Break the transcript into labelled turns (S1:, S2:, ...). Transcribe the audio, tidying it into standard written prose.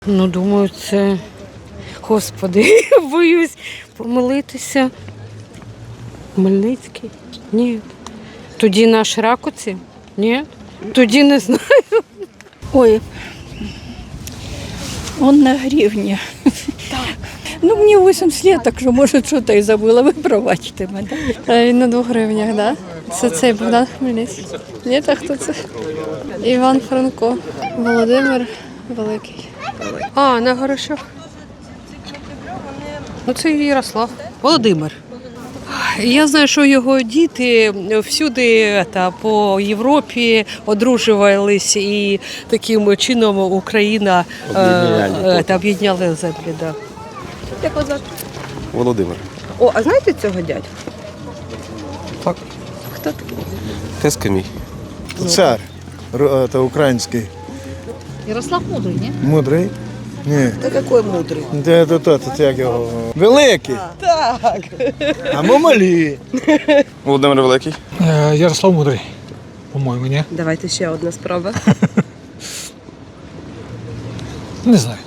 S1: Ну, думаю, це, Господи, боюсь помилитися. Хмельницький? Ні. Тоді наш Ракуці? Ні. Тоді не знаю.
S2: Ой, он на гривні. Ну, мені 80 лет, так що, може, що то і забула, ви пробачте мене.
S3: Він на 2 гривнях, так? Да? Це цей Богдан Хмельницький. Ні, так хто це? Іван Франко. Володимир Великий.
S1: А, на Горошок. Ну, це Ярослав. Володимир. Я знаю, що його діти всюди по Європі одружувались, і таким чином Україна об'єдняла землі. Да.
S4: Як вас звати?
S5: Володимир.
S4: О, а знаєте цього дядька?
S5: Так.
S4: Хто такий?
S5: Тезка мій.
S6: Цар, это український.
S7: Ярослав Мудрий, ні?
S6: Мудрий? Ні.
S4: Та який мудрий?
S6: Це як його? Великий.
S4: Так.
S6: А ми малі.
S5: Володимир Великий.
S8: Ярослав Мудрий, по-моєму, ні?
S4: Давайте ще одна спроба.
S8: Не знаю.